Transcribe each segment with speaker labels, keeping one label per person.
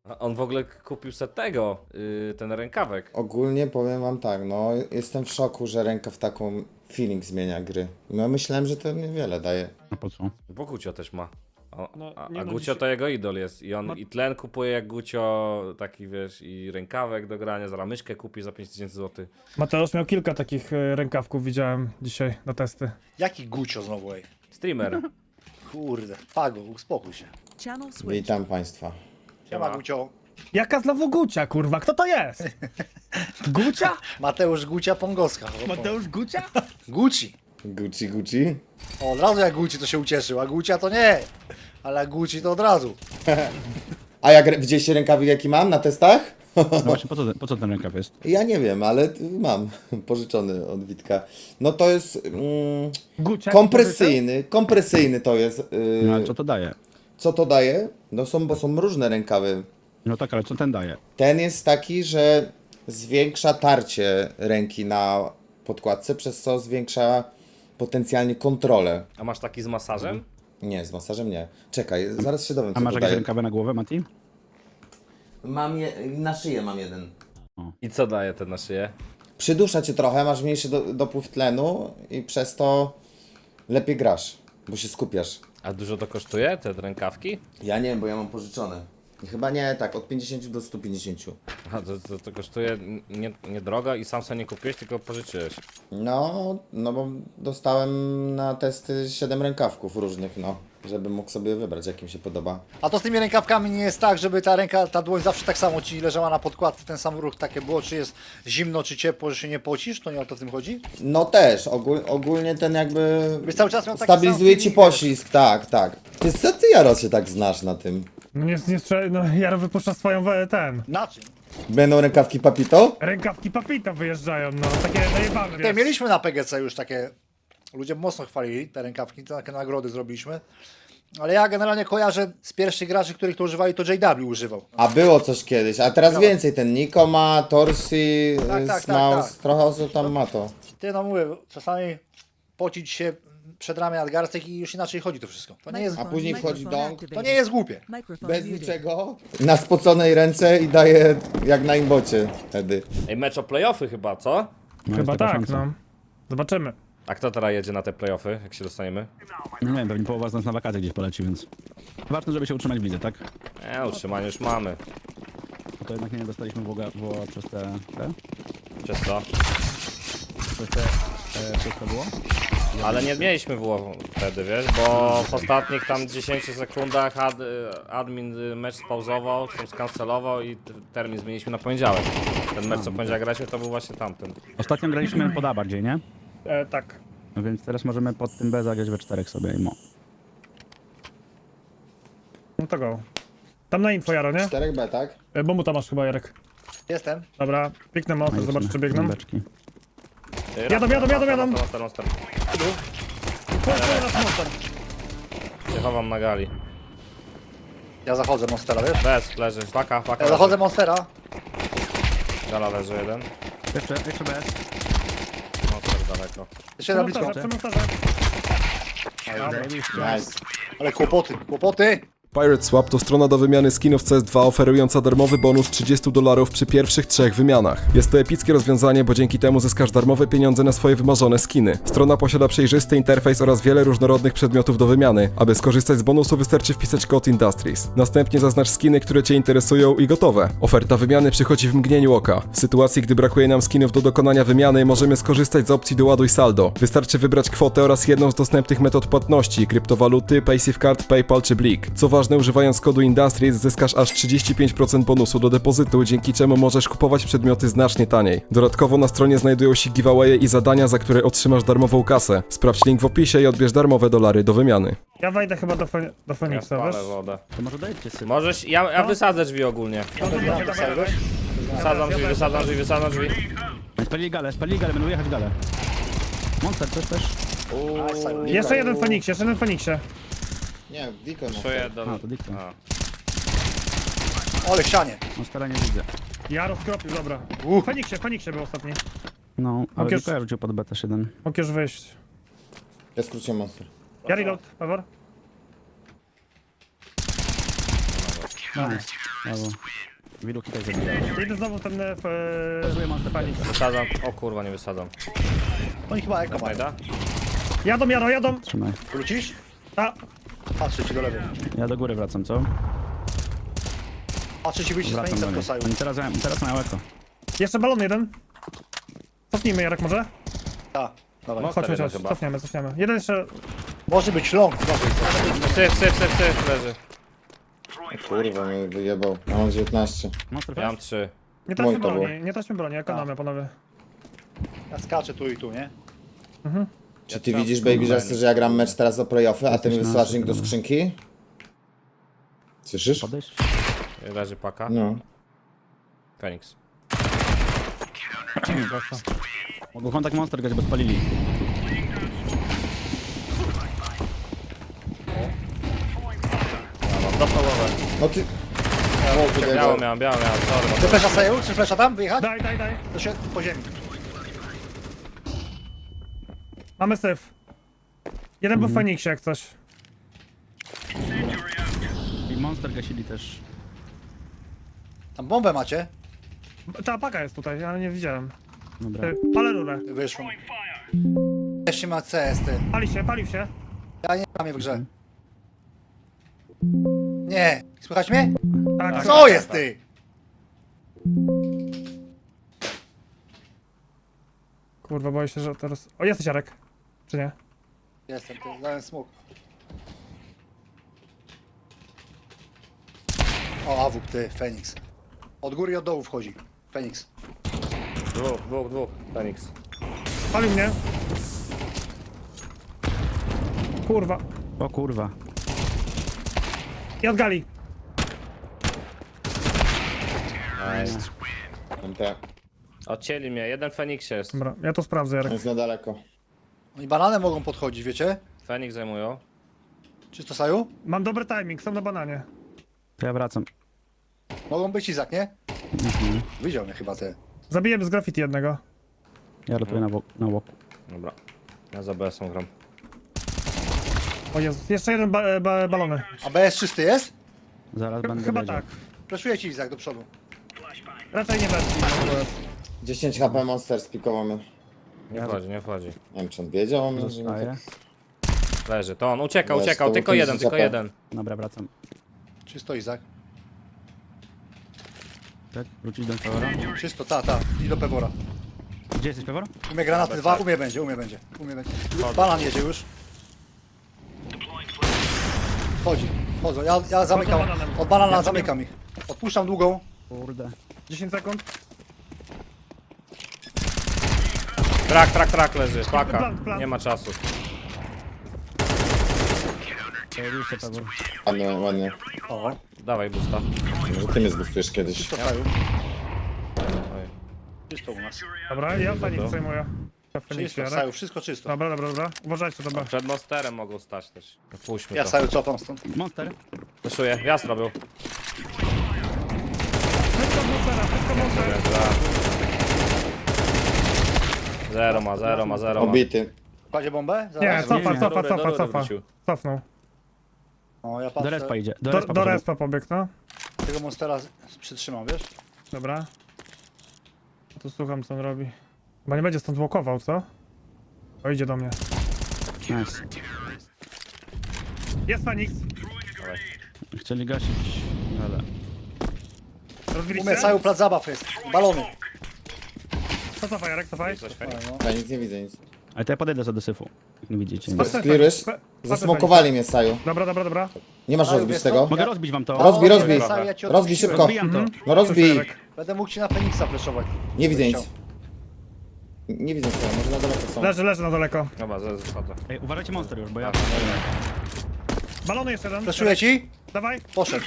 Speaker 1: A on w ogóle kupił sobie tego, ten rękawek.
Speaker 2: Ogólnie powiem wam tak, no jestem w szoku, że rękaw taką feeling zmienia gry. No myślałem, że to niewiele daje.
Speaker 3: A po co?
Speaker 1: Bo Gucio też ma.
Speaker 4: No,
Speaker 1: A
Speaker 4: nie no,
Speaker 1: Gucio
Speaker 4: dzisiaj-
Speaker 1: to jego idol jest. I on
Speaker 4: No.
Speaker 1: i tlen kupuje jak Gucio, taki wiesz, i rękawek do grania, zaraz myszkę kupi za 5000 zł.
Speaker 4: Mateusz miał kilka takich rękawków, widziałem dzisiaj na testy.
Speaker 5: Jaki Gucio znowu, ej?
Speaker 1: Streamer.
Speaker 5: Kurde, Pago, uspokój się.
Speaker 6: Channel switch.
Speaker 2: Witam państwa.
Speaker 5: Siema Gucio.
Speaker 4: Jaka znowu Gucia, kurwa? Kto to jest? Gucia?
Speaker 5: Mateusz Gucia Pongowska.
Speaker 4: Mateusz Gucia?
Speaker 5: Gucci.
Speaker 2: Gucci, Gucci.
Speaker 5: O, od razu jak Gucci to się ucieszył, a Gucia to nie. Ale jak Gucci to od razu.
Speaker 2: A jak widzieliście rękawik jaki mam na testach?
Speaker 3: No właśnie, po co ten rękaw jest?
Speaker 2: Ja nie wiem, ale mam. Pożyczony od Witka. No to jest
Speaker 4: Gucia?
Speaker 2: kompresyjny to jest.
Speaker 3: No ale co to daje?
Speaker 2: Co to daje? No bo są różne rękawy.
Speaker 3: No tak, ale co ten daje?
Speaker 2: Ten jest taki, że zwiększa tarcie ręki na podkładce, przez co zwiększa potencjalnie kontrolę.
Speaker 1: A masz taki z masażem?
Speaker 2: Nie, z masażem nie. Czekaj, zaraz się dowiem,
Speaker 3: A
Speaker 2: co
Speaker 3: masz
Speaker 2: to
Speaker 3: jakieś
Speaker 2: daje.
Speaker 3: rękawy na głowę, Mati?
Speaker 2: Na szyję mam jeden.
Speaker 1: I co daje ten na szyję?
Speaker 2: Przydusza cię trochę, masz mniejszy dopływ tlenu i przez to lepiej grasz, bo się skupiasz.
Speaker 1: A dużo to kosztuje, te rękawki?
Speaker 2: Ja nie wiem, bo ja mam pożyczone. Chyba nie, tak, od 50 do 150.
Speaker 1: Aha, to kosztuje nie drogo i sam sobie nie kupiłeś, tylko pożyczyłeś.
Speaker 2: No bo dostałem na testy 7 rękawków różnych, no. Żeby mógł sobie wybrać, jaki mi się podoba.
Speaker 5: A to z tymi rękawkami nie jest tak, żeby ta dłoń zawsze tak samo ci leżała na podkładce, ten sam ruch takie było, czy jest zimno, czy ciepło, że się nie pocisz? To nie o to w tym chodzi?
Speaker 2: No też, ogólnie ten jakby
Speaker 5: Byś cały czas miał taki
Speaker 2: stabilizuje
Speaker 5: sam
Speaker 2: ci
Speaker 5: feeling,
Speaker 2: poślizg, tak, tak. Co ty, Jaro, się tak znasz na tym?
Speaker 4: No nie strzel... No Jaro wypuszcza swoją
Speaker 5: Na czym?
Speaker 2: Będą rękawki Papito?
Speaker 4: Rękawki Papita wyjeżdżają, no. Takie najebane,
Speaker 5: Tutaj
Speaker 4: wiesz.
Speaker 5: mieliśmy na PGC już takie, ludzie mocno chwalili te rękawki, takie nagrody zrobiliśmy. Ale ja generalnie kojarzę z pierwszych graczy, których to używali, to JW używał.
Speaker 2: A było coś kiedyś, a teraz więcej. Ten Niko ma, Torsi,
Speaker 5: Tak,
Speaker 2: Smaus,
Speaker 5: tak.
Speaker 2: trochę osób tam ma to.
Speaker 5: Ty no mówię, czasami pocić się przed ramię nadgarstek i już inaczej chodzi to wszystko. To nie jest,
Speaker 2: A później wchodzi dong,
Speaker 5: to nie jest głupie.
Speaker 6: Microphone
Speaker 2: bez
Speaker 6: muted.
Speaker 2: niczego, na spoconej ręce i daje jak na imbocie wtedy.
Speaker 1: Ej, mecz o playoffy chyba, co?
Speaker 3: No,
Speaker 4: Chyba
Speaker 3: jest taka
Speaker 4: tak,
Speaker 3: szansa.
Speaker 4: no. Zobaczymy.
Speaker 1: A kto teraz jedzie na te playoffy, jak się dostaniemy?
Speaker 3: No nie wiem, pewnie połowa z nas na wakacje gdzieś poleci, więc... Ważne, żeby się utrzymać w lidze, tak?
Speaker 1: Utrzymanie już mamy.
Speaker 3: Bo to jednak nie dostaliśmy było przez te...
Speaker 1: Przez co?
Speaker 3: Przez to było?
Speaker 1: Ale nie mieliśmy było wtedy, wiesz, bo w ostatnich tam 10 sekundach admin mecz spauzował, tam skancelował i termin zmieniliśmy na poniedziałek. Ten mecz co poniedziałek graliśmy to był właśnie tamten.
Speaker 3: Ostatnio graliśmy pod A bardziej, nie?
Speaker 4: Tak.
Speaker 3: No więc teraz możemy pod tym B zagrać we 4 sobie i mo.
Speaker 4: No to go. Tam na info, Jaro, nie?
Speaker 2: 4B, tak?
Speaker 4: Bo mu tam masz chyba, Jarek.
Speaker 5: Jestem.
Speaker 4: Dobra, piękny monster,
Speaker 3: No i
Speaker 4: zobacz czy
Speaker 3: lecimy.
Speaker 4: biegną.
Speaker 3: Beczki.
Speaker 4: Jadą.
Speaker 1: Monster. Się chowam na gali.
Speaker 5: Ja zachodzę Monstera, wiesz?
Speaker 1: Bez, leży, paka
Speaker 5: Ja zachodzę Monstera.
Speaker 1: Gala leży jeden.
Speaker 3: Jeszcze bez.
Speaker 1: Monster daleko.
Speaker 5: Jeszcze na blisko.
Speaker 4: Przy monsterze.
Speaker 2: Nice.
Speaker 5: Ale kłopoty.
Speaker 7: Pirate Swap to strona do wymiany skinów CS2 oferująca darmowy bonus $30 przy pierwszych 3 wymianach. Jest to epickie rozwiązanie, bo dzięki temu zyskasz darmowe pieniądze na swoje wymarzone skiny. Strona posiada przejrzysty interfejs oraz wiele różnorodnych przedmiotów do wymiany. Aby skorzystać z bonusu wystarczy wpisać kod Industries. Następnie zaznacz skiny, które Cię interesują i gotowe. Oferta wymiany przychodzi w mgnieniu oka. W sytuacji, gdy brakuje nam skinów do dokonania wymiany, możemy skorzystać z opcji doładuj saldo. Wystarczy wybrać kwotę oraz jedną z dostępnych metod płatności, kryptowaluty, PaySafeCard, PayPal czy Blik. Co ważne, używając kodu Industries zyskasz aż 35% bonusu do depozytu, dzięki czemu możesz kupować przedmioty znacznie taniej. Dodatkowo na stronie znajdują się giveawaye i zadania, za które otrzymasz darmową kasę. Sprawdź link w opisie i odbierz darmowe dolary do wymiany.
Speaker 4: Ja wejdę chyba do
Speaker 1: Ja
Speaker 4: Feniksa, wiesz?
Speaker 1: spalę wodę.
Speaker 3: To może dajcie syp.
Speaker 1: Możesz, ja wysadzę drzwi ogólnie. Wysadzam drzwi.
Speaker 3: Spalili galę, będą jechać galę. Monster też.
Speaker 4: Jeszcze jeden w Feniksie.
Speaker 2: Nie, Diko no.
Speaker 1: Czuję do...
Speaker 3: A, to dikta.
Speaker 1: A.
Speaker 5: Ole ścianie.
Speaker 3: Monstera nie widzę.
Speaker 4: Jaro skropił, dobra. W Feniksie był ostatni.
Speaker 3: No, ale
Speaker 4: Okej.
Speaker 3: tylko ja rzucił pod B też jeden.
Speaker 4: Mógł już wyjść.
Speaker 2: Ja skróciłem monster.
Speaker 4: Ja reload, Pawor.
Speaker 3: Nice. Brawo. Wiluki też zabijają.
Speaker 4: Idę znowu ten
Speaker 3: Zły monster
Speaker 4: Fenix.
Speaker 1: Wysadzam. O kurwa, nie wysadzam.
Speaker 5: Oni chyba eko mają.
Speaker 1: Majda?
Speaker 4: Jadą.
Speaker 3: Trzymaj.
Speaker 5: Wrócisz?
Speaker 4: A,
Speaker 5: Patrzę ci do lewej.
Speaker 3: Ja do góry wracam, co?
Speaker 5: Patrzę ci wyjście z
Speaker 3: Wracam
Speaker 5: Feniksa
Speaker 3: do
Speaker 5: w
Speaker 3: nich.
Speaker 5: Kosaju.
Speaker 3: Oni teraz mają eko.
Speaker 4: jeszcze balon jeden. Cofnijmy, Jarek, może?
Speaker 5: Tak, dawaj.
Speaker 1: Monster
Speaker 4: Chodź,
Speaker 1: jeden chyba.
Speaker 4: cofniemy. Jeden jeszcze...
Speaker 5: Może być long.
Speaker 1: Syf, leży.
Speaker 2: Kurwa, mnie wyjebał. Ja mam 19.
Speaker 3: Monster
Speaker 1: Ja mam
Speaker 3: flash?
Speaker 1: 3.
Speaker 4: Nie traćmy
Speaker 2: Mój to
Speaker 4: broni, nie traćmy broni, ekonomię, panowie.
Speaker 5: Ja skaczę tu i tu, nie?
Speaker 2: Czy ty widzisz, Baby Jester, że ja gram mecz teraz o playoffy, a ty mi wysyłasz link do skrzynki? Słyszysz?
Speaker 3: Podejść?
Speaker 1: Leży paka.
Speaker 2: No.
Speaker 1: Fenix.
Speaker 3: Mogą kontakt monster grać, bo spalili.
Speaker 1: Dostał głowę.
Speaker 2: No ty...
Speaker 1: Biało miałem, sorry.
Speaker 5: Czy flesza Saju? Czy flesza tam? Wyjechać?
Speaker 4: Daj.
Speaker 5: To się po ziemi.
Speaker 4: Mamy syf. Jeden był w Feniksie, jak coś.
Speaker 3: I monster gasili też.
Speaker 5: Tam bombę macie?
Speaker 4: Ta paka jest tutaj, ja nie widziałem.
Speaker 3: Dobra.
Speaker 4: Palę rurę.
Speaker 5: Wyszło. Jeszcze ma CS, ty.
Speaker 4: Palił się.
Speaker 5: Ja nie mam je w grze. Nie. Słychać mnie?
Speaker 4: Tak,
Speaker 5: Co jest, ty?
Speaker 4: Kurwa, boję się, że teraz... O, jesteś Jarek. Czy nie?
Speaker 5: Jestem, ty. Dałem smok. O, awuk, ty. Feniks. Od góry i od dołu wchodzi. Feniks.
Speaker 1: Dwóch. Fenix.
Speaker 4: Palił mnie. Kurwa.
Speaker 3: O kurwa.
Speaker 4: I od gali.
Speaker 1: Nice.
Speaker 2: MT.
Speaker 1: Odcięli mnie, jeden w Feniksie jest.
Speaker 4: Dobra, ja to sprawdzę, Jarek.
Speaker 2: Jest na daleko.
Speaker 5: Oni bananem mogą podchodzić, wiecie?
Speaker 1: Fenix zajmują.
Speaker 5: Czysto Saju?
Speaker 4: Mam dobry timing, są na bananie.
Speaker 3: To ja wracam.
Speaker 5: Mogą być Izak, nie? Widział mnie chyba, ty.
Speaker 4: Zabiję z graffiti jednego.
Speaker 3: Ja rotuję na łoku.
Speaker 1: Dobra. Ja za BS-ą gram.
Speaker 4: O Jezus, jeszcze jeden balony.
Speaker 5: A BS czysty jest?
Speaker 3: Zaraz będę
Speaker 4: Chyba
Speaker 3: wiedział.
Speaker 4: tak.
Speaker 5: Fleszuję ci Izak do przodu.
Speaker 4: Raczej nie weszli.
Speaker 2: 10 HP Monster spikował mnie.
Speaker 1: Nie wchodzi.
Speaker 2: Nie wiem, czy on wiedział o mnie, że...
Speaker 3: Zostaję.
Speaker 1: Leży. To on uciekał,
Speaker 2: Weź, to
Speaker 1: tylko
Speaker 2: ten
Speaker 1: jeden,
Speaker 2: ZP.
Speaker 1: tylko jeden.
Speaker 3: Dobra, wracam.
Speaker 5: Czysto Izak.
Speaker 3: Tak? Wrócić do Pewora.
Speaker 5: Czysto, ta. I do Pewora.
Speaker 3: Gdzie jesteś, Pewor?
Speaker 5: Umie granaty dwa, umie będzie. Banan jedzie już. Wchodzą. Ja zamykam.
Speaker 4: Pod bananem.
Speaker 5: Od banana zamykam ich. Odpuszczam długą.
Speaker 3: Kurde.
Speaker 4: 10 sekund.
Speaker 1: Trak leży. Paka.
Speaker 4: Plan.
Speaker 1: Nie ma czasu.
Speaker 3: Pojawił się Pewor.
Speaker 2: Ładnie.
Speaker 5: O,
Speaker 1: Dawaj busta.
Speaker 2: Może ty mnie zbustujesz kiedyś.
Speaker 5: czysto Saju.
Speaker 1: Oj.
Speaker 5: Czysto u nas.
Speaker 4: Dobra, ja Fenix przejmuję. Ja w Feniksie,
Speaker 5: Czysto
Speaker 4: Jarek.
Speaker 5: Saju, wszystko czysto.
Speaker 4: Dobra. Uważajcie, dobra.
Speaker 1: Przed monsterem mogą stać też. Puśćmy
Speaker 5: Ja
Speaker 1: to.
Speaker 5: Saju cofam stąd.
Speaker 3: Monster.
Speaker 1: Wyszuję. Wjazd robił.
Speaker 4: Wszystko monster.
Speaker 1: Zero ma.
Speaker 2: Obity.
Speaker 5: Kładzie bombę?
Speaker 4: Nie,
Speaker 5: Zaraz.
Speaker 1: do rury wrócił.
Speaker 4: Cofnął.
Speaker 5: O, ja
Speaker 3: Do
Speaker 5: patrzę.
Speaker 3: respa idzie. Do
Speaker 4: Do
Speaker 3: respa.
Speaker 4: respa pobiegł, no.
Speaker 5: Tego monstera przytrzymam, wiesz?
Speaker 4: Dobra. Tu słucham, co on robi. Chyba nie będzie stąd łokował, co? O, idzie do mnie.
Speaker 3: Nice.
Speaker 4: Jest Fenix.
Speaker 3: Chcieli gasić, ale...
Speaker 4: Rozbiliście?
Speaker 5: Umie Saju, plac zabaw jest. Balony.
Speaker 4: To cofaj, Jarek, cofaj.
Speaker 1: Coś Fenix.
Speaker 5: No.
Speaker 2: Ja nic nie widzę, nic.
Speaker 3: Ale to ja podejdę sobie do syfu. Jak nie widzicie. Nie.
Speaker 4: Patrz,
Speaker 2: Sklirujesz?
Speaker 4: patrz,
Speaker 2: Zasmokowali mnie, Saju.
Speaker 4: Dobra.
Speaker 2: Nie masz
Speaker 5: Saju,
Speaker 2: rozbić
Speaker 5: wiesz
Speaker 2: tego?
Speaker 5: co?
Speaker 3: Mogę rozbić wam to.
Speaker 2: Rozbij.
Speaker 5: Saju, ja ci
Speaker 2: Rozbij szybko.
Speaker 3: Rozbijam to.
Speaker 2: No rozbij.
Speaker 4: Jarek.
Speaker 5: Będę mógł ci na Feniksa fleszować.
Speaker 2: Nie widzę nic. Nie widzę co, może na daleko są.
Speaker 4: Leży na daleko.
Speaker 1: Dobra, zachodzę.
Speaker 3: Ej, uważajcie monster już, bo ja...
Speaker 4: Balony jeszcze jeden.
Speaker 5: Fleszuję ci?
Speaker 4: Dawaj.
Speaker 5: Poszedł.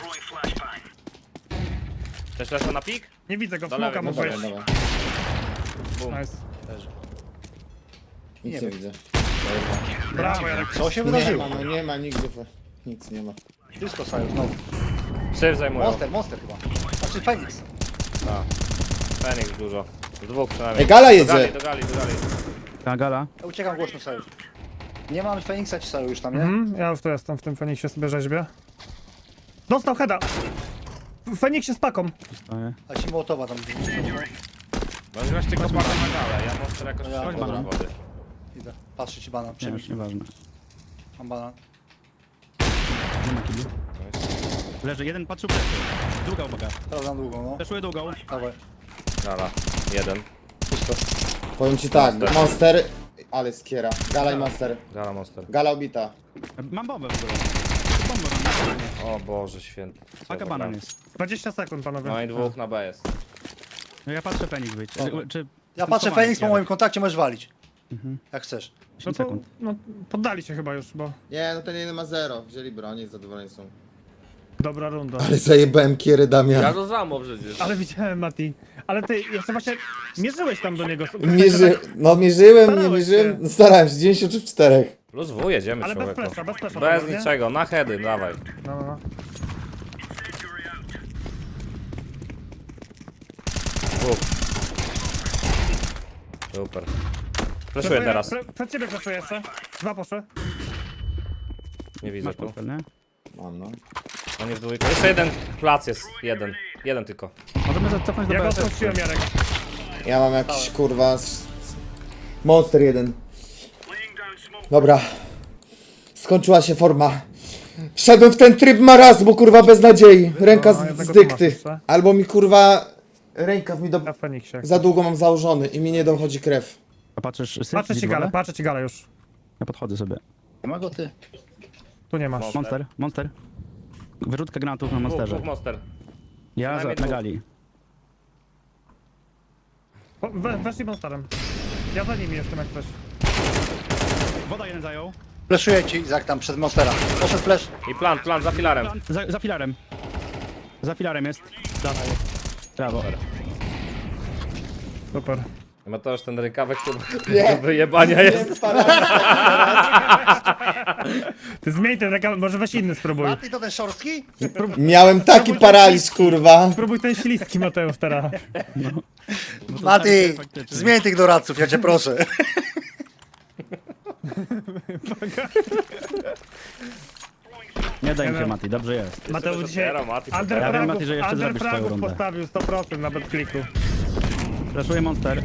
Speaker 1: Też lecę na pik?
Speaker 4: Nie widzę go, w
Speaker 1: Do
Speaker 4: smoka
Speaker 1: lewej,
Speaker 4: mógł
Speaker 2: Dobra,
Speaker 4: wejść.
Speaker 2: dobra.
Speaker 1: Bum.
Speaker 4: Nice.
Speaker 2: Nic nie widzę.
Speaker 4: Brawo, Jarek.
Speaker 5: Co się
Speaker 2: Nie
Speaker 5: wydarzyło?
Speaker 2: ma, no nie ma nigdy. Nic nie ma.
Speaker 5: Czysto Saju, znowu.
Speaker 1: Syf zajmują.
Speaker 5: Monster chyba. Znaczy Feniks.
Speaker 1: Tak. Fenix dużo. Z dwóch przynajmniej.
Speaker 2: Ej, gala
Speaker 1: Do
Speaker 2: jedzie!
Speaker 1: gali.
Speaker 3: Ta gala.
Speaker 5: Ja uciekam głośno Saju. Nie mam Feniksa ci Saju już tam, nie?
Speaker 4: Ja już tu jestem, w tym Feniksie sobie rzeźbię. Dostał heada. Feniksie z paką.
Speaker 3: Stoję.
Speaker 5: A ci Mołotowa tam.
Speaker 1: No i właśnie tylko spada na galę, ja monster jakoś
Speaker 5: Ja
Speaker 1: przyjdę do
Speaker 3: banan.
Speaker 1: wody.
Speaker 5: Idę. Patrzę ci banan.
Speaker 3: Nie,
Speaker 5: Przemyśl.
Speaker 3: już nieważne.
Speaker 5: Mam banan.
Speaker 3: Nie ma kibli. Leży, jeden patrzył plecy. Długa uwaga.
Speaker 5: Teraz na długą, no.
Speaker 3: Fleszuję długą.
Speaker 5: Dawaj.
Speaker 1: Gala, jeden.
Speaker 5: Pusto.
Speaker 2: Powiem ci tak, Monster, ale skiera. Gala i Monster.
Speaker 1: Gala monster.
Speaker 2: Gala obita.
Speaker 3: Mam bombę w ogóle. Bombę mam.
Speaker 1: O Boże święty.
Speaker 3: Paka banan jest.
Speaker 4: 20 sekund, panowie.
Speaker 1: No i dwóch na B jest.
Speaker 3: No ja patrzę Feniks być. Czy...
Speaker 5: Ja patrzę Feniks po moim kontakcie, możesz walić. Jak chcesz.
Speaker 4: No
Speaker 3: 10
Speaker 4: to,
Speaker 3: sekund.
Speaker 4: no, poddali się chyba już, bo
Speaker 2: Nie, no ten jeden ma 0. Wzięli broni, zadowoleni są.
Speaker 4: dobra runda.
Speaker 2: Ale zajebałem kiery Damian.
Speaker 1: Ja to samo przecież.
Speaker 4: Ale widziałem, Mati. Ale ty jeszcze właśnie mierzyłeś tam do niego.
Speaker 2: No mierzyłem, nie
Speaker 4: Starałeś
Speaker 2: mierzyłem.
Speaker 4: się.
Speaker 2: No, starałem się, 90 czy w 4.
Speaker 1: Plus W, jedziemy
Speaker 4: Ale bez
Speaker 1: człowieku.
Speaker 4: flesza, bez flesza.
Speaker 1: Bez
Speaker 4: to było, nie?
Speaker 1: niczego, na heady, dawaj.
Speaker 4: No, no, no.
Speaker 1: Dwóch. Super. Fleszuję teraz.
Speaker 4: Przed ciebie flaszuję jeszcze. Dwa poszły.
Speaker 1: Nie widzę
Speaker 3: Masz
Speaker 1: tu.
Speaker 3: portfel, nie?
Speaker 2: Mam, no.
Speaker 1: On jest w dwójkę. Jeszcze jeden plac jest. Jeden. Jeden tylko.
Speaker 3: Możemy cofnąć do
Speaker 4: Ja go
Speaker 3: BS.
Speaker 4: odpuściłem, Jarek.
Speaker 2: Ja mam jakiś kurwa... Monster 1. Dobra. Skończyła się forma. Wszedłem w ten tryb marazmu, kurwa, bez nadziei. Ręka
Speaker 4: No, jednego
Speaker 2: z
Speaker 4: tu masz
Speaker 2: dykty.
Speaker 4: jeszcze.
Speaker 2: Albo mi kurwa... Rękaw mi do...
Speaker 4: Ja w Feniksie.
Speaker 2: Za długo mam założony i mi nie dochodzi krew.
Speaker 3: A patrzysz syf?
Speaker 4: Patrzę ci galę, patrzę ci galę już.
Speaker 3: Ja podchodzę sobie.
Speaker 5: Nie ma go ty.
Speaker 4: Tu nie masz.
Speaker 3: Monster, monster. Wyrzutka granatów na
Speaker 1: Dwóch,
Speaker 3: monsterze.
Speaker 1: dwóch monster.
Speaker 3: Ja
Speaker 1: Przynajmniej
Speaker 3: na
Speaker 1: dwóch.
Speaker 3: gali.
Speaker 4: Weszli monsterem. Ja za nimi jestem jak coś.
Speaker 3: Woda jeden zajął.
Speaker 5: Fleszuję ci, Izak, tam przed monstera. Poszedł flash.
Speaker 1: I plan za filarem.
Speaker 3: Za filarem. Za filarem jest. Dawaj. Brawo.
Speaker 4: Super.
Speaker 1: Ma to już ten rękawek do wyjebania jest.
Speaker 4: Ty zmień ten rekam, może weź inny spróbuj.
Speaker 5: Mati to ten szorstki?
Speaker 2: Miałem taki paraliż, kurwa.
Speaker 4: Spróbuj ten śliski, Mateusz, teraz.
Speaker 5: Mati,
Speaker 3: faktycznie.
Speaker 5: zmień tych doradców, ja cię proszę.
Speaker 3: Nie daj mi się
Speaker 4: wiem.
Speaker 3: Mati, dobrze jest.
Speaker 4: Mateusz dzisiaj
Speaker 1: dopiero, Mati,
Speaker 3: Ja wiem, Mati, że jeszcze zrobisz swoją
Speaker 4: underfragów
Speaker 3: rundę.
Speaker 4: postawił 100% nawet kliku.
Speaker 3: Flashuję monster.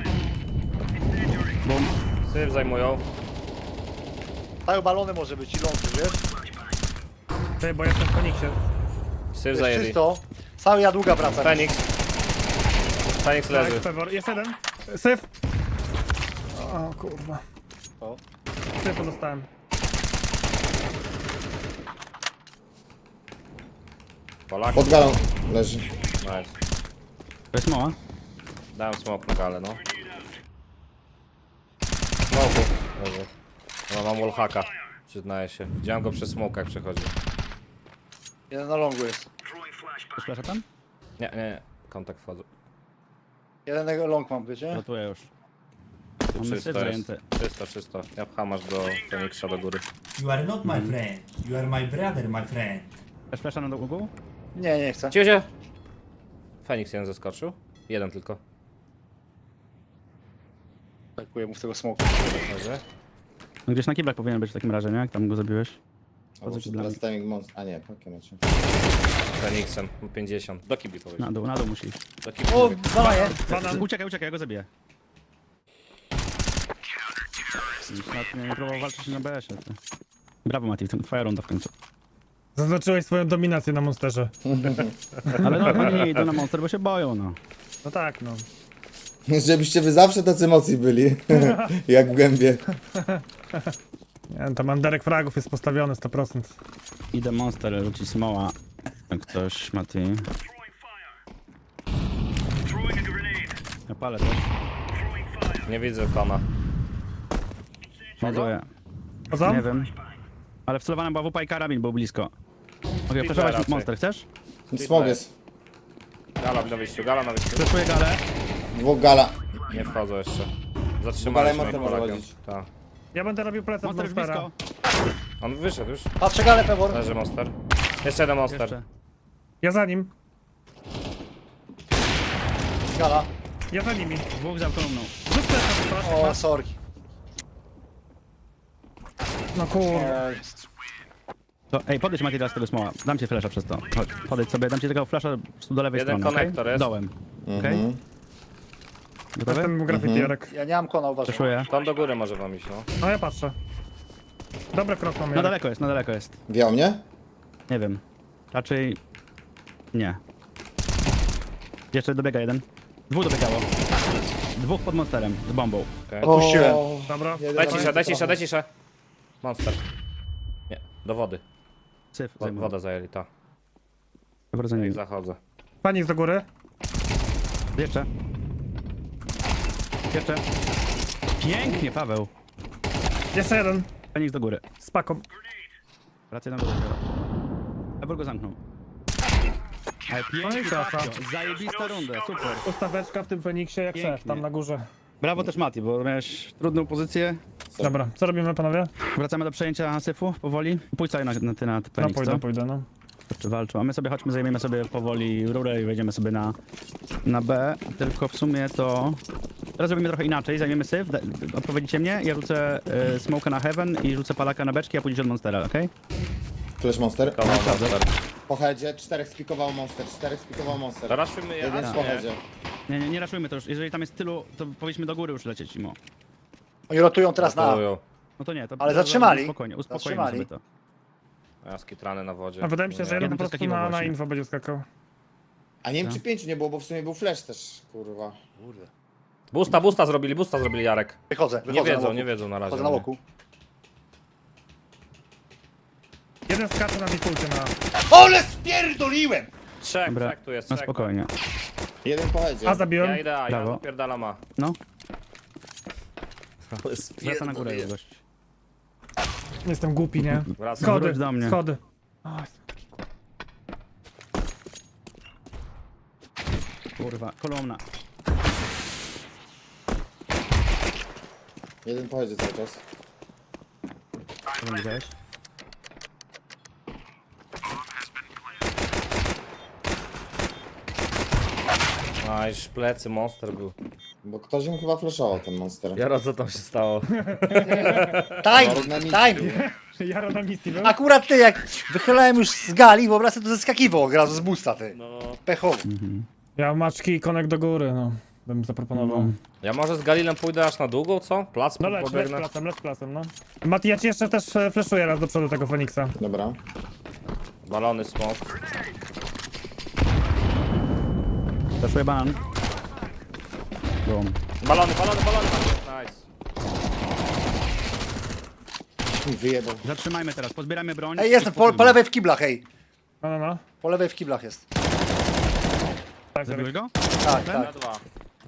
Speaker 3: Bum.
Speaker 1: Syf zajmują.
Speaker 5: Cały balony może być i lądy, wiesz?
Speaker 4: Ty, bo jestem w Feniksie.
Speaker 1: Syf
Speaker 5: Jest
Speaker 1: zajęli.
Speaker 5: czysto. Cały ja długa wraca.
Speaker 1: Feniks. Feniks leży.
Speaker 4: Tak, Pewor. Jest jeden. Syf. O kurwa.
Speaker 5: O.
Speaker 4: Syfu dostałem.
Speaker 1: Polak.
Speaker 2: Pod galą leży.
Speaker 1: Nice.
Speaker 3: To jest mała.
Speaker 1: Dałem smoke na galę, no. Smoku. Leży. No mam wallhacka. Przyznaję się. Widziałem go przy smokach przechodzi.
Speaker 5: Jeden na longu jest.
Speaker 3: Jest flasha tam?
Speaker 1: Nie. Kontakt wchodzą.
Speaker 5: Jeden long mam, wiecie?
Speaker 3: Rotuję już.
Speaker 1: Tu
Speaker 3: Mamy syf
Speaker 1: czysto jest.
Speaker 3: zajęty.
Speaker 1: Czysto. Ja pcham aż do Feniksa do góry.
Speaker 6: You are not my friend. You are my brother, my friend.
Speaker 3: Też flasha na długu?
Speaker 5: Nie, nie chcę.
Speaker 1: Ciucie! Feniks jeden zeskoczył. Jeden tylko.
Speaker 5: Atakuję mu w tego smoku.
Speaker 1: Leży.
Speaker 3: No gdzieś na kiblach powinien być w takim razie, nie? Jak tam go zabiłeś.
Speaker 2: Albo
Speaker 3: ci dla
Speaker 2: teraz
Speaker 3: mnie?
Speaker 2: timing monster. A nie, pakie macie.
Speaker 1: Feniksem. 50. Do kibli powiedział.
Speaker 3: Na dół musi iść.
Speaker 1: Do kibli.
Speaker 5: O, dawaj.
Speaker 4: Banan.
Speaker 3: Uciekaj, ja go zabiję. Nawet nie próbował walczyć na BS-ie. ty. Brawo Mati, twoja runda w końcu.
Speaker 4: Zaznaczyłeś swoją dominację na monsterze.
Speaker 3: Ale no oni nie idą na monster, bo się boją, no.
Speaker 4: No tak, no.
Speaker 2: Żebyście wy zawsze tacy mocni byli. Jak w gębie.
Speaker 4: Nie wiem, tam underek fragów jest postawiony 100%.
Speaker 3: Idę monster rzucić smoła. Jak ktoś, Mati. Ja palę też.
Speaker 1: Nie widzę kona.
Speaker 3: Ładuję.
Speaker 4: Poza?
Speaker 3: Nie wiem. Ale wcelowana była wupa i karabin był blisko. Mogę flashować
Speaker 1: raczej.
Speaker 3: monster, chcesz?
Speaker 2: Smog jest.
Speaker 1: Gala na wyjściu, gala na wyjściu.
Speaker 3: Flashuję galę.
Speaker 2: Dwóch gala.
Speaker 1: Nie wchodzą jeszcze.
Speaker 2: Gala
Speaker 1: Zatrzymaliśmy
Speaker 2: monster
Speaker 1: ich
Speaker 2: może
Speaker 1: Polakiem.
Speaker 2: chodzić.
Speaker 1: Tak.
Speaker 4: Ja będę robił plecak
Speaker 3: Monster już
Speaker 4: monstera.
Speaker 3: blisko.
Speaker 1: On wyszedł już.
Speaker 5: Patrzę galę, Pewor.
Speaker 1: Leży monster. Jeszcze jeden monster.
Speaker 3: Jeszcze.
Speaker 4: Ja za nim.
Speaker 5: Gala.
Speaker 4: Ja za nimi.
Speaker 3: Dwóch za kolumną.
Speaker 4: Rzuć plecak, proszę.
Speaker 5: O, sorki.
Speaker 4: No kurwa.
Speaker 5: Ej.
Speaker 3: To, ej, podejdź Mati teraz z tego smoła. Dam ci flasha przez to. Chodź, podejdź sobie, dam ci tego flasha do lewej
Speaker 1: Jeden
Speaker 3: strony,
Speaker 1: konektor
Speaker 3: okej?
Speaker 1: jest.
Speaker 3: Dołem. Okej? Gotowy?
Speaker 4: Jestem graffiti, Jarek.
Speaker 5: Ja nie mam kona, uważaj.
Speaker 3: Przeszuję.
Speaker 1: Tam do góry może wam iść, no.
Speaker 4: No ja patrzę. Dobry cross mam,
Speaker 3: Na
Speaker 4: Jarek.
Speaker 3: daleko jest, na daleko jest.
Speaker 2: Wiał mnie?
Speaker 3: Nie wiem. Raczej... Nie. Jeszcze dobiega jeden. Dwóch dobiegało. Dwóch pod monsterem, z bombą.
Speaker 5: Odpuściłem.
Speaker 4: Dobra.
Speaker 1: Daj ciszę. Monster. Nie, do wody.
Speaker 3: Syf zajmuje.
Speaker 1: Wodę zajęli, ta.
Speaker 3: Dobra, za
Speaker 1: Jak
Speaker 3: nim.
Speaker 1: zachodzę.
Speaker 4: Panik do góry.
Speaker 3: Jeszcze. Jeszcze. Pięknie, Paweł.
Speaker 4: Jeszcze jeden.
Speaker 3: Feniks do góry.
Speaker 4: Z paką.
Speaker 3: Wracaj na górę. Ebor go zamknął. Ale
Speaker 4: No i
Speaker 3: pięknie,
Speaker 4: klasa.
Speaker 3: Paweł. Zajebista runda, super.
Speaker 4: Ustaweczka w tym Feniksie jak
Speaker 3: Pięknie.
Speaker 4: szef, tam na górze.
Speaker 3: Brawo też Mati, bo miałeś trudną pozycję.
Speaker 4: Dobra, co robimy panowie?
Speaker 3: Wracamy do przejęcia syfu powoli. Pójdź sobie na
Speaker 4: No
Speaker 3: Feniks, co?
Speaker 4: pójdę, no.
Speaker 3: Czy walczą? A my sobie chodźmy, zajmiemy sobie powoli rurę i wejdziemy sobie na B. Tylko w sumie to... Teraz zrobimy trochę inaczej, zajmiemy syf, odpowiedzicie mnie, ja rzucę smoka na heaven i rzucę palaka na beczki, a pójdziesz od monstera, okej?
Speaker 2: Flash monster.
Speaker 1: Monster.
Speaker 2: Po headzie, 4 spikował monster, 4 spikował monster.
Speaker 1: Teraz szujmy je.
Speaker 2: Jeden po headzie.
Speaker 3: Nie raszujmy to już, jeżeli tam jest tylu, to powinniśmy do góry już lecieć, Imo.
Speaker 5: Oni rotują teraz na...
Speaker 3: No to nie, to...
Speaker 5: Ale zatrzymali.
Speaker 3: Spokojnie, uspokoimy
Speaker 5: Zatrzymali.
Speaker 3: sobie to.
Speaker 1: Ja skitrany na wodzie.
Speaker 4: A wydaje mi się, że jeden
Speaker 3: Jeden
Speaker 4: po prostu
Speaker 3: przeskakiwał
Speaker 4: na
Speaker 3: właśnie.
Speaker 4: info będzie skakał.
Speaker 2: A nie wiem czy 5 nie było, bo w sumie był flash też, kurwa.
Speaker 5: Kurde.
Speaker 1: Busta zrobili Jarek.
Speaker 5: Wychodzę
Speaker 1: Nie
Speaker 5: na
Speaker 1: wiedzą,
Speaker 5: łoku.
Speaker 1: nie wiedzą na razie.
Speaker 5: Wchodzę na łoku.
Speaker 4: Jeden skacze na defaulcie na...
Speaker 5: OLE SPIERDOLIłem!
Speaker 1: Trzech,
Speaker 3: Dobra,
Speaker 1: trzech tu jest,
Speaker 3: no
Speaker 1: trzech.
Speaker 3: spokojnie.
Speaker 2: Jeden po headzie.
Speaker 4: A zabiłem.
Speaker 1: Ja idę, ja
Speaker 3: Brawo.
Speaker 1: zapierdalam A.
Speaker 3: No,
Speaker 1: Ale
Speaker 3: wraca na górę gość.
Speaker 4: Jestem głupi, nie?
Speaker 1: Wracam.
Speaker 4: Schody,
Speaker 3: Wróć do mnie.
Speaker 4: schody.
Speaker 3: Kurwa, kolumna.
Speaker 2: Jeden po headzie cały czas.
Speaker 3: Co tam widziałeś?
Speaker 1: A już plecy, monster był.
Speaker 2: Bo ktoś im chyba flashował ten monster.
Speaker 1: Jaro, co tam się stało?
Speaker 5: Time! Time!
Speaker 4: Jaro na misji był?
Speaker 5: Akurat ty, jak wychylałem już z gali, wyobraź sobie, to zeskakiwał od razu z busta, ty.
Speaker 1: No.
Speaker 5: Pechowy.
Speaker 4: Ja maczki i konek do góry, no. Bym zaproponował.
Speaker 1: Ja może z Galilem pójdę aż na długą, co? Plac
Speaker 4: No leć
Speaker 1: pobiegnę.
Speaker 4: placem, no. Mati, ja ci jeszcze też flashuję raz do przodu tego Feniksa.
Speaker 2: Dobra.
Speaker 1: Balony, smok.
Speaker 3: Zaszuję banan. Boom.
Speaker 1: Balony. Nice.
Speaker 2: Wyjebał.
Speaker 3: Zatrzymajmy teraz, pozbieramy broń.
Speaker 5: Ej, jestem po lewej w kiblach, ej.
Speaker 4: No.
Speaker 5: Po lewej w kiblach jest.
Speaker 4: Tak,
Speaker 3: Zabiłeś go?
Speaker 5: Tak,
Speaker 1: Na
Speaker 5: tak.
Speaker 1: dwa.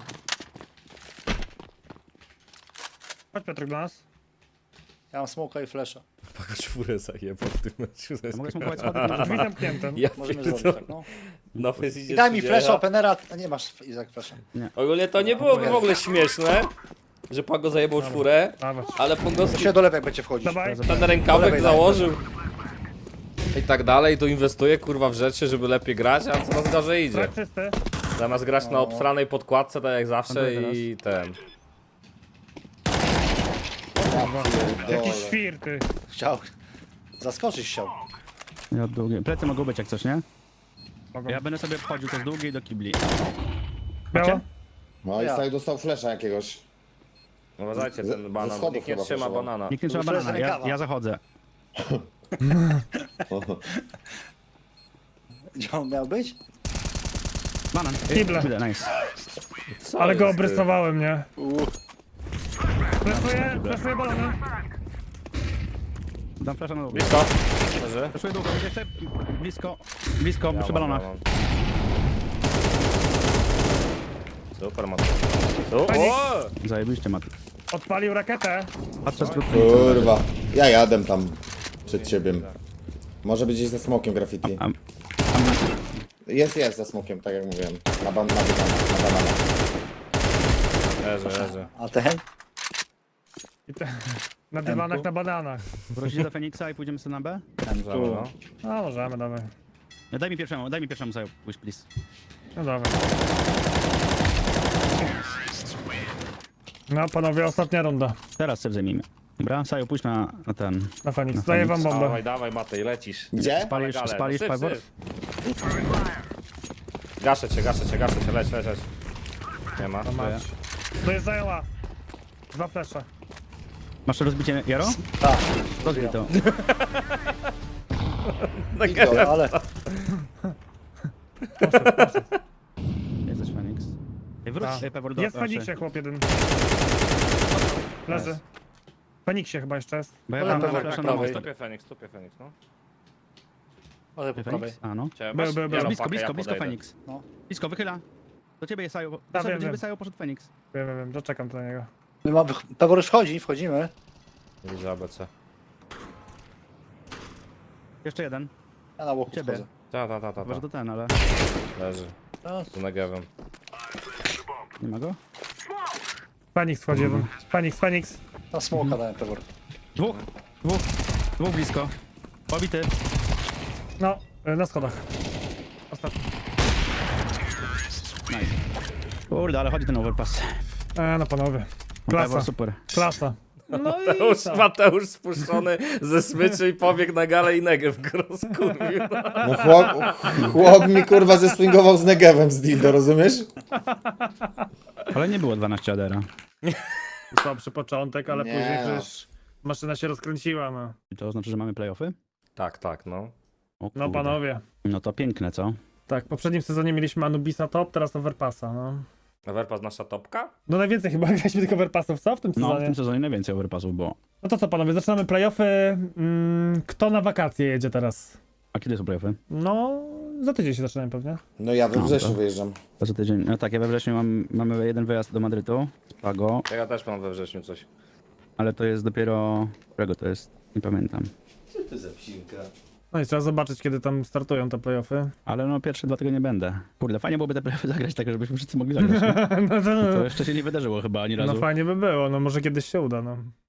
Speaker 4: Chodź Piotrek do nas.
Speaker 5: Ja mam smoka i flesza.
Speaker 1: Paka czwórę zajebał w tym meczu.
Speaker 3: Ja mogę smokować schody.
Speaker 4: Drzwi zamknięte.
Speaker 1: Ja
Speaker 5: Możemy
Speaker 1: pierdolę.
Speaker 5: zrobić tak, no.
Speaker 1: No face idzie
Speaker 5: I daj mi
Speaker 1: 30.
Speaker 5: flesza, openera. A nie masz Izak flesza.
Speaker 1: Ogólnie to nie byłoby w ogóle śmieszne, że Pago zajebał czwórę,
Speaker 4: Dawaj.
Speaker 1: ale Pongowski
Speaker 5: Się do lewej będzie wchodzić.
Speaker 4: Dawaj.
Speaker 1: ten
Speaker 5: Do
Speaker 1: rękawek
Speaker 5: lewej,
Speaker 1: założył. I tak dalej, tu inwestuje kurwa w rzeczy, żeby lepiej grać, a co nas gorzej idzie.
Speaker 4: Brak czysty.
Speaker 1: Zamiast grać na obsranej podkładce, tak jak zawsze
Speaker 3: Dobra,
Speaker 1: i ten.
Speaker 4: Jakiś świr, ty.
Speaker 5: Chciał. Zaskoczyć chciał.
Speaker 3: Ja od długiej. Plecy mogą być jak coś, nie?
Speaker 4: Mogą.
Speaker 3: Ja będę sobie wchodził to z długiej do kibli.
Speaker 4: Biało?
Speaker 2: No i
Speaker 5: Ja.
Speaker 2: tutaj dostał flasha jakiegoś.
Speaker 1: Uważajcie
Speaker 2: Ze
Speaker 1: ten banan,
Speaker 2: schodów
Speaker 1: nikt nie
Speaker 2: chyba
Speaker 1: trzyma
Speaker 2: poszło.
Speaker 1: banana.
Speaker 3: Nikt nie trzyma
Speaker 5: To jest
Speaker 3: banana, ja
Speaker 5: rękawa.
Speaker 3: zachodzę.
Speaker 5: Gdzie on miał być?
Speaker 3: Banan.
Speaker 4: Kible.
Speaker 3: Nice.
Speaker 1: Co
Speaker 4: Ale go
Speaker 1: jest, ty?
Speaker 4: obrysowałem, nie? Flashuję balony.
Speaker 3: Dam flasza na długo.
Speaker 1: Blisko? Leży?
Speaker 3: Flaszuję długo, jeszcze blisko, przy balonach.
Speaker 1: Super, Mati. Super.
Speaker 3: Zajebiście, Mati.
Speaker 4: Odpalił rakietę.
Speaker 3: Patrzę z krótkiej.
Speaker 2: Kurwa. Ja jadę tam przed ciebie. Może być gdzieś za smokiem graffiti. Jest za smokiem, tak jak mówiłem. Na banana.
Speaker 1: Leży.
Speaker 5: A ten?
Speaker 4: Na dywanach, na bananach.
Speaker 3: Wrócicie do Feniksa i pójdziemy sobie na B?
Speaker 1: Możemy, no.
Speaker 4: No możemy, dawaj.
Speaker 3: No, daj mi pierwszemu sobie pójść, please.
Speaker 4: No dawaj. No panowie, ostatnia runda.
Speaker 3: Teraz sobie zajmijmy. Dobra, Saju, pójdź na ten.
Speaker 4: Na Fenix. Daję wam bombę.
Speaker 1: Dawaj, dawaj Matej, lecisz.
Speaker 2: Gdzie?
Speaker 3: Spalisz,
Speaker 1: Ale
Speaker 3: spalisz
Speaker 1: syp,
Speaker 3: Pivor?
Speaker 1: syp. Gaszę cię, leć. Nie ma.
Speaker 4: Dojeżdżają A. 2 flesze.
Speaker 3: Masz rozbicie Jaro?
Speaker 5: Tak.
Speaker 3: Rozbij to.
Speaker 5: Idą, ale
Speaker 3: Jesteś Fenix. Ej, wróć
Speaker 4: A.
Speaker 3: Pivor do
Speaker 4: Jest w
Speaker 3: raczej.
Speaker 4: Feniksie chłop jeden. Leży. W Feniksie chyba jeszcze jest.
Speaker 3: Bo ja
Speaker 5: Ale
Speaker 3: mam
Speaker 5: Pivor
Speaker 3: flasza
Speaker 5: po
Speaker 3: na
Speaker 5: prawej.
Speaker 3: most.
Speaker 1: Tupie Feniks, no.
Speaker 5: może po prawej.
Speaker 3: Fenix? A no.
Speaker 1: Cię,
Speaker 4: Był,
Speaker 1: masz-
Speaker 4: był,
Speaker 1: ja
Speaker 4: był.
Speaker 1: mam
Speaker 3: Blisko,
Speaker 1: pakę,
Speaker 3: blisko,
Speaker 1: ja
Speaker 3: blisko
Speaker 1: podejdę.
Speaker 3: Fenix.
Speaker 5: No.
Speaker 3: Blisko, wychyla. Do ciebie jest Saju.
Speaker 4: wiem,
Speaker 3: Do ciebie
Speaker 4: wiem.
Speaker 3: Saju poszedł Fenix.
Speaker 4: Wiem, doczekam do niego.
Speaker 5: My mamy, Pewor już wchodzimy.
Speaker 1: Nie widzę ABC.
Speaker 3: Jeszcze jeden.
Speaker 5: Ja na łoku
Speaker 3: Ciebie.
Speaker 5: wchodzę.
Speaker 1: Ta.
Speaker 3: Chyba, że to ten, ale
Speaker 1: Leży.
Speaker 5: No,
Speaker 1: Tu negewem.
Speaker 3: nie ma go.
Speaker 4: Fenix wchodzi jeden. Fenix.
Speaker 5: na smoka dałem Pewor.
Speaker 3: Dwóch blisko. Pobity.
Speaker 4: No, na schodach. Ostatni.
Speaker 3: Nice. Kurde, ale chodzi ten overpass.
Speaker 4: No panowie.
Speaker 3: Pivor
Speaker 4: Klasa.
Speaker 3: super.
Speaker 4: Klasa. No i
Speaker 1: Mateusz spuszczony ze smyczy i pobiegł na galę i negew go rozkurwił.
Speaker 2: No chłop mi kurwa zeswingował z Negevem z dildo, rozumiesz?
Speaker 3: Ale nie było 12 adera.
Speaker 4: słabszy początek, ale
Speaker 2: Nie
Speaker 4: później
Speaker 2: no.
Speaker 4: przecież maszyna się rozkręciła, no.
Speaker 3: I to oznacza, że mamy playoffy?
Speaker 1: Tak, no.
Speaker 3: O
Speaker 4: No
Speaker 3: kurde.
Speaker 4: panowie.
Speaker 3: No to piękne, co?
Speaker 4: Tak, w poprzednim sezonie mieliśmy Anubisa top, teraz Overpassa, no.
Speaker 1: Everpass nasza topka?
Speaker 4: No najwięcej chyba graliśmy tych Overpassów, co w tym
Speaker 3: No, w
Speaker 4: sezonie?
Speaker 3: tym sezonie najwięcej overpassów było.
Speaker 4: No to co panowie, zaczynamy playoffy. Kto na wakacje jedzie teraz?
Speaker 3: A kiedy są playoffy?
Speaker 4: No, za tydzień się zaczynają pewnie.
Speaker 2: No ja we
Speaker 3: No,
Speaker 2: wrześniu
Speaker 3: to-
Speaker 2: wyjeżdżam.
Speaker 3: To za tydzień. No tak, ja we wrześniu mamy jeden wyjazd do Madrytu, Pago,
Speaker 1: Ja też mam we wrześniu coś.
Speaker 3: ale to jest dopiero... Którego to jest? Nie pamiętam.
Speaker 4: No i trzeba zobaczyć, kiedy tam startują te playoffy.
Speaker 3: Ale no pierwsze 2 tygodnie nie będę. Kurde, fajnie byłoby te playoffy zagrać tak, żebyśmy wszyscy mogli zagrać. Nie?
Speaker 4: No
Speaker 3: To jeszcze się nie wydarzyło chyba ani razu.
Speaker 4: no fajnie by było, no może kiedyś się uda, no.